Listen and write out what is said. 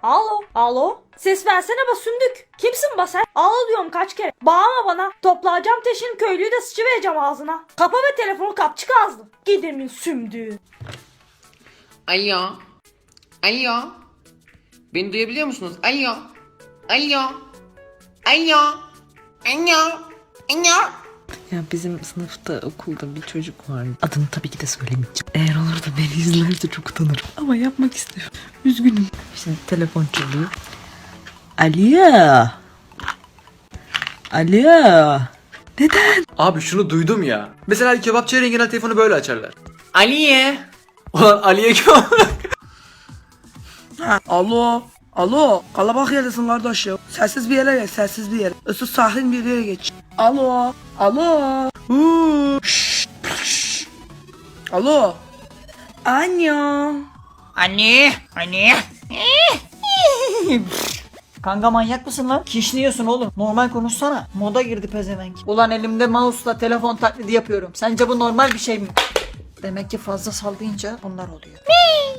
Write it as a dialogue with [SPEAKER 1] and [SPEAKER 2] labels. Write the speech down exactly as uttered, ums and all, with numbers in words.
[SPEAKER 1] Alo, alo. Ses versene be sündük. Kimsin be sen? Alo diyorum kaç kere. Bağırma bana. Toplayacağım teşin köylüyü de sıçıvereceğim ağzına. Kapa ve telefonu kapçık ağzını. Gidemin sümdüğü.
[SPEAKER 2] Alo. Alo. Beni duyabiliyor musunuz? Alo. Alo. Alo. Alo. Alo.
[SPEAKER 3] Ya bizim sınıfta okulda bir çocuk var. Adını tabii ki de söylemeyeceğim. Eğer olur da beni izlerse çok utanırım. Ama yapmak istiyorum. Üzgünüm. Şimdi telefon çalıyor. Alo. Alo. Neden?
[SPEAKER 4] Abi şunu duydum ya. Mesela kebapçıya genel telefonu böyle açarlar.
[SPEAKER 2] Aliye.
[SPEAKER 4] Ulan Ali'ye kim?
[SPEAKER 5] Ha, alo. Alo. Kalabalık yerdesin kardeş ya. Sessiz bir yere geç. Sessiz bir yere. Issız sakin bir yere geç. Alo. Alo. Huu. Şşş, şşş. Alo. Anne.
[SPEAKER 6] Anne, anne. Kanka manyak mısın lan? Kişniyorsun oğlum. Normal konuşsana. Moda girdi pezevenk. Ulan elimde mouse'la telefon taklidi yapıyorum. Sence bu normal bir şey mi? Demek ki fazla sallayınca bunlar oluyor.